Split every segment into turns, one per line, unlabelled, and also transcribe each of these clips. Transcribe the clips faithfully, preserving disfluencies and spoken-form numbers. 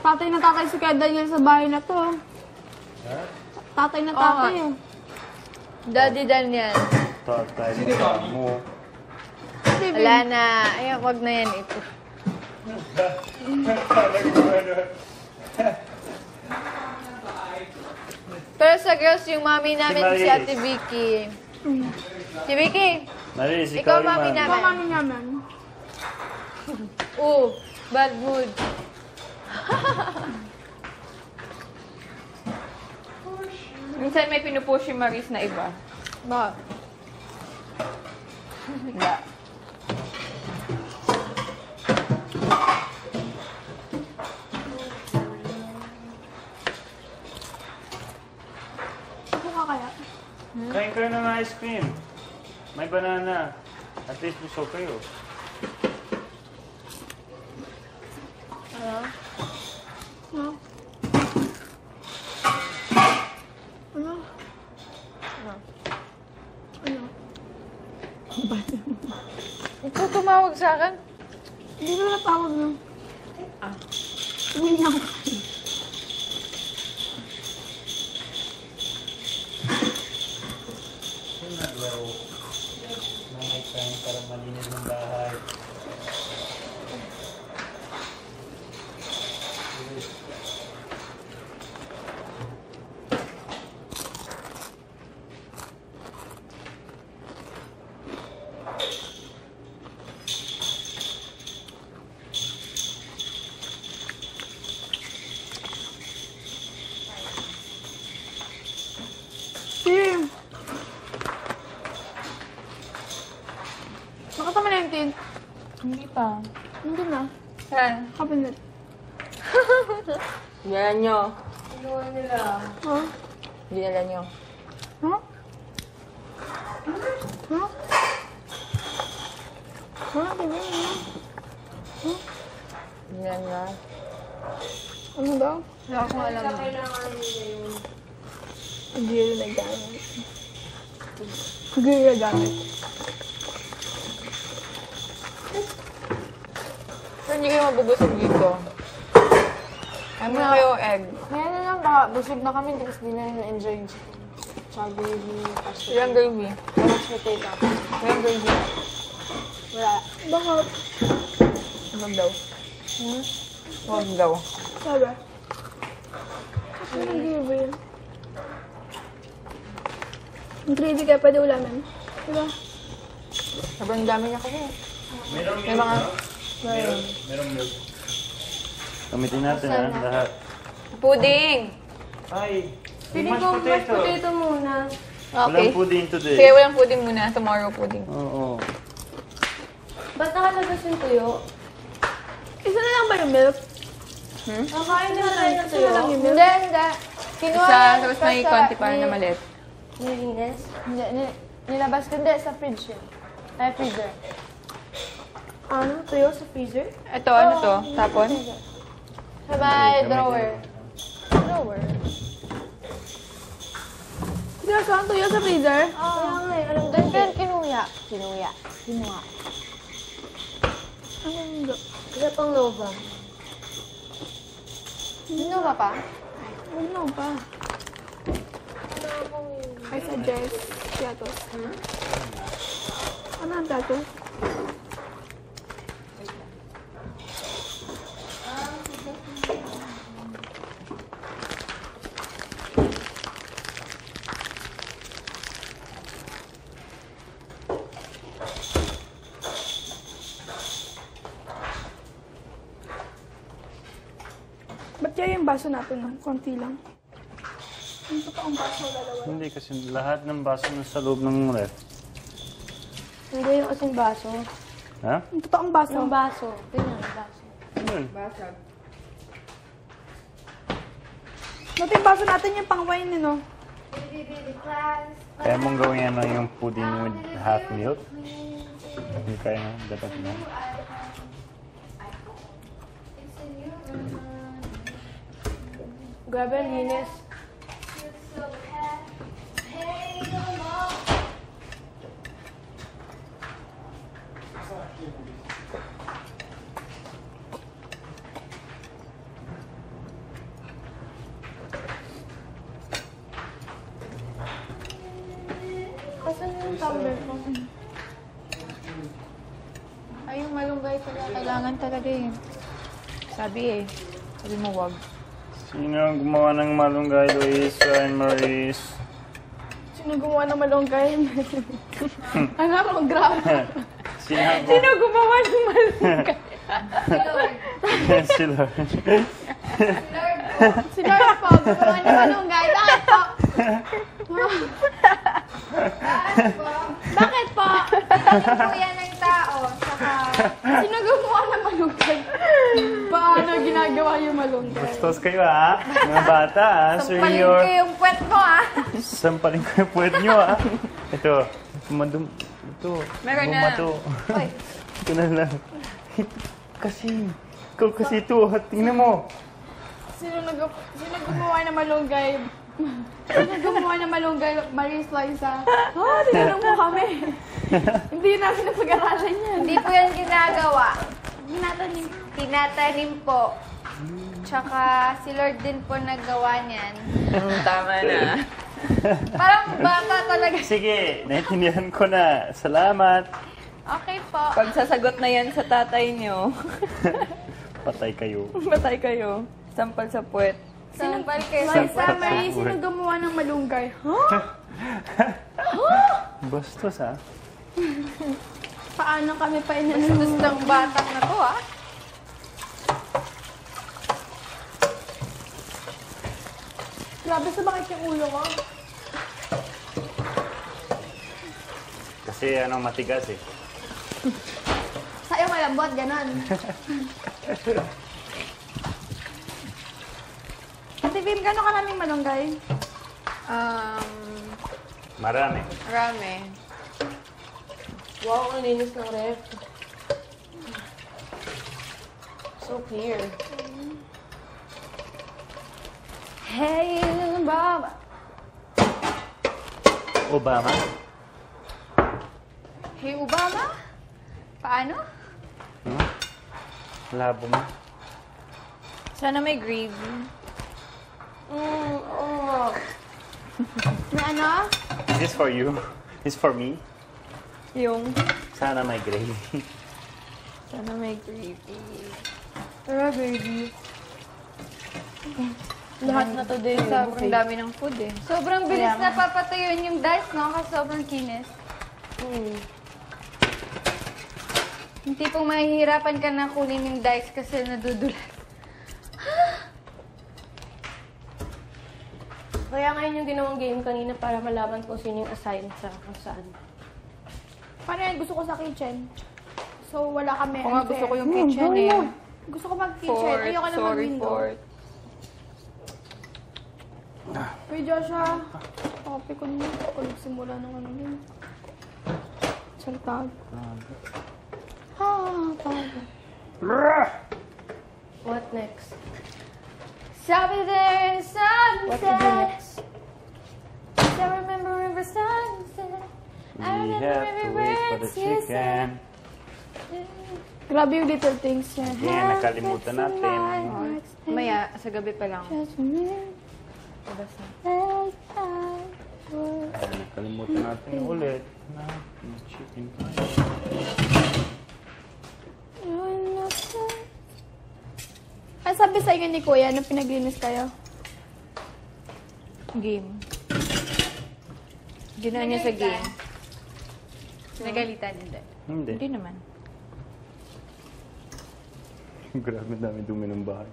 Tatay na tatay si Kuya Daniel sa bahay na to.
Ha?
Tatay na tatay
Oo.
eh.
Daddy Daniel.
Tatay mo.
Wala na. Ay, wag na yan ito. Pero sa girls, yung mami namin,
Si
si Ate Vicky. Si Vicky,
Maris,
ikaw
ikaw
mami
naman.
Ikaw
namin.
mami naman.
Oo, bad mood.
Minsan may pinupush yung Maris na iba.
Ba?
Wala.
Ako ka kaya?
Kain kayo ng ice cream. May banana. At least busog kayo.
Ano? Ano? Ano? Ano?
Ikaw tumawag sa akin?
Hindi mo natawag na. Ah. Uwi na ako.
Naglaw. Nanay kain para malinis ng bahay.
Sim! Nakatama na yung tin.
Hindi pa.
Hindi na.
Saan?
Cabinet.
Yan nyo.
Ha?
Dinala nyo.
Ha? Ha? Ha? Tingnan mo.
Dinala nyo.
Ano daw?
Wala akong alam.
Hindi rin nagamit. Hindi rin nagamit.
Pero hindi kayo mabubusog dito. Ano na kayo egg?
Kaya na lang, baka busog na kami kasi di na rin na-enjoy yung chicken. Tsaka gravy, pasta.
Ilang gravy?
Mashed potato.
Ilang gravy?
Wala.
Bakit?
Huwag daw.
Hmm?
Huwag daw.
Sabi? Kasi yung gravy. Yung gravy kaya pwede ulamin. Diba?
Sobrang dami niya kasi.
Merong
May mga...
Meron, merong milk. Gamitin natin ha, lahat.
Pudding!
Ay,
Pili
mashed
ko mashed
potato.
potato muna.
Okay.
Walang pudding today.
Sige, walang pudding muna. Tomorrow pudding.
Oo.
Ba't nakalabas yung tuyo?
Isa na lang ba yung milk?
Hmm?
Nakain na tayo ng
Isa
tuyo.
na lang yung milk?
Hindi, hindi. Kinuha
Isa,
lang
tapos
pa
may
sa-
konti pa na
ni-
maliit.
Nilinis? Hindi, ni- nilabas ko. Hindi, sa fridge yun. Ay, freezer. Ano? Tuyo sa freezer?
Ito, ano to? Tapon?
Sa may
Gamitin
drawer.
natin.
Drawer?
Hindi na saan tuyo sa freezer?
Kaya nga eh, alam doon. Pero kinuya. Kinuya. Kinuha.
Ano yung milk?
Isa pang Nova. Nova pa?
Huwag na pa. I suggest Piatos. Ano ang Piatos? Ba't kaya yung baso natin ng konti lang? Yung totoong baso dalawa.
Hindi kasi lahat ng baso nasa loob ng ref.
Hindi yung kasing baso.
Ha?
Yung totoong baso.
Yung baso. Tingnan, yung baso.
Yun.
Dati yung baso natin yung pang wine, no?
Kaya mong gawin yan lang yung pudding with half milk. Hindi kaya nga, dapat na.
Grabe, ang linis.
tumbler ko.
Ay, yung malunggay pala. Kailangan talaga eh. Sabi eh. Sabi mo wag.
Sino ang gumawa ng malunggay, Luisa and Maurice?
Sino gumawa ng malunggay? Ano ako, grabe.
Sino ang
Sino gumawa ng malunggay?
Si Lord.
Si Lord po, gumawa ng malunggay. Bakit po? Bakit po?
Po yan ng tao. Saka,
Sino gumawa ng malunggay? Paano ginagawa yung malunggay?
Bastos kayo ha, mga bata ha. Sir
paling
your...
ko yung puwet mo ah.
Sampalin ko yung puwet nyo ha. Ito, madum... Ito,
Meron na.
bumato. Ito na lang. Kasi, ikaw kasi ito, ha. Tingnan mo.
Sino, nag sino gumawa ng malunggay? Sino gumawa ng malunggay? Marie Sliza. Oh, tinanong mo kami. Hindi namin napag-aralan yan.
Hindi po yan ginagawa.
Ginatanim.
Tinatanim po. Tsaka si Lord din po naggawa niyan.
Tama na.
Parang bata talaga.
Sige, naintindihan ko na. Salamat.
Okay po.
Pag sasagot na yan sa tatay nyo,
Patay kayo.
patay kayo. Sampal sa puwet.
Sampal kayo sa
Liza,
summer.
Marie, sino gumawa ng malunggay?
Bastos ha.
Paano kami pa inanong?
Gusto ng batang na to ah.
Grabe sa bakit yung ulo ko.
Kasi ano, matigas eh.
Sa'yo malambot, ganon. Ate Vim, gano'n karaming malunggay?
Um,
Marami.
marami.
Wow, ang linis ng ref. So clear. Hey, Bob.
Obama?
Hey, Obama? Paano?
Hmm? Labo mo.
Sana may gravy.
Mm, oh.
May ano?
Is this for you? Is for me?
Yung,
Sana may gravy.
sana may gravy.
Tara, baby.
Lahat na to din.
Sobrang dami ng food eh.
Sobrang bilis na papatuyuin yung dice, no? Kasi sobrang kinis.
Hmm.
Yung tipong mahihirapan ka na kunin yung dice kasi nadudulas.
Kaya ngayon yung ginawang game kanina para malaman ko sino yung assign sa kung saan.
Paano yan? Gusto ko sa kitchen. So, wala kami.
Kung nga gusto ko yung kitchen eh.
Gusto ko mag-kitchen.
Fourth,
Ayoko na
sorry,
mag-window.
fourth.
Uy, Joshua. Copy ko niyo. Kung nagsimula ng ano yun. Saltag. Ha, paano?
What next?
Sabi there in
What to do
sunset.
next?
I remember river sunset. I
We
remember
have to
every
wait for
word
the
you
chicken.
said.
Grabe yung little things niya.
Ayan, nakalimutan natin.
Maya, sa gabi pa lang.
Just remember
Labas na.
that I was-
Ayan, nakalimutan natin ulit na yung chicken pie.
You're not there. Ano sabi sa inyo ni Kuya nung pinaglinis kayo?
Game. Ginawa niya sa game. Nagalitan, hindi.
Hindi.
Hindi naman.
Grabe dami dumi ng bahay.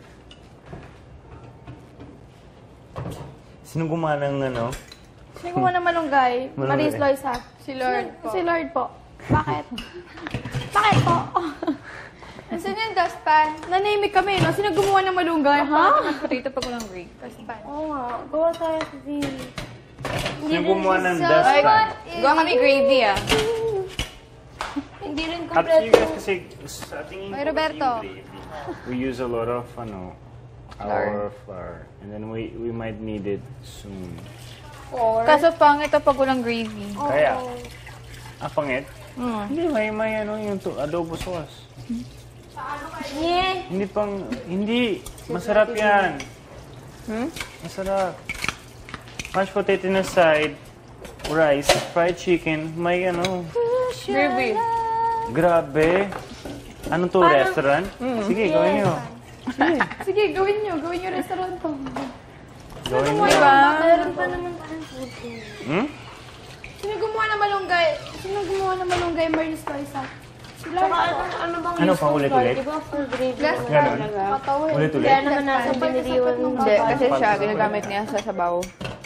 Sino gumawa ng ano?
Sino gumawa ng malunggay?
Malunggay.
Maris Loisa.
Si Lord po.
Si Lord po. Bakit? Bakit po?
Nasaan yung dustpan?
Nanimik kami, no? Sino gumawa ng malunggay, ha?
Potato pag walang gravy.
Dustpan.
Oo nga, gawa tayo sa V.
Sino gumawa ng
So,
dustpan?
what
Gawa kami gravy ah.
Hindi rin
Up to you
kompleto.
guys kasi sa tingin ko
Oy, Roberto.
yung gravy, we use a lot of ano, our flour. And then we we might need it soon.
Kaso pangit ito pag walang gravy.
Kaya, ah, pangit?
Mm.
Hindi, may, may ano yung to, adobo sauce.
Yeah.
Hindi pang, hindi. Masarap yan.
Hmm?
Masarap. Mashed potato na side. rice, fried chicken, may ano.
Gravy.
Grabe. Ano to, restaurant? Sige, gawin nyo.
Sige, gawin nyo. Gawin nyo restaurant to.
Gawin nyo.
Diba?
Meron pa naman tayong food court.
Hmm?
Sino gumawa ng malunggay? Sino gumawa ng malunggay Maris Loisa? Sila.
Tsaka ano, ano bang
Ano
use
pa,
ng
ulit-ulit?
flour? Di ba for gravy?
Gas
naman
Ganon.
talaga?
Patawa eh.
Ulit-ulit.
Kaya naman nasa biniriwan ng
Hindi,
baba.
kasi siya, ginagamit niya sa sabaw.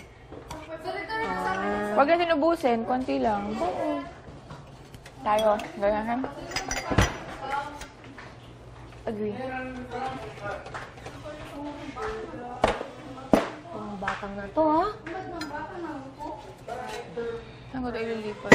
Huwag natin ubusin, konti lang. Tayo, ganyan. Agree.
Ang batang na to, ha?
Saan ko ito ililipat?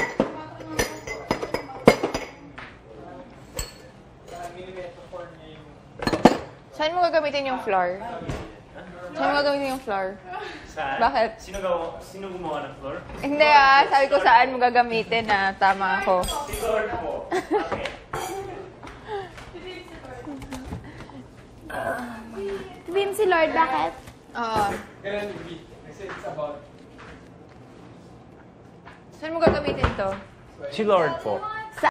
Saan mo gagamitin yung flour? Saan mo gagamitin yung flour?
Saan?
Bakit?
Sino, gawa, sino gumawa ng floor?
Hindi ah, sabi ko saan mo gagamitin na tama ako.
Siguro po. Okay.
Team si Lord, bakit?
Oo. Saan mo gagamitin to?
Si Lord po.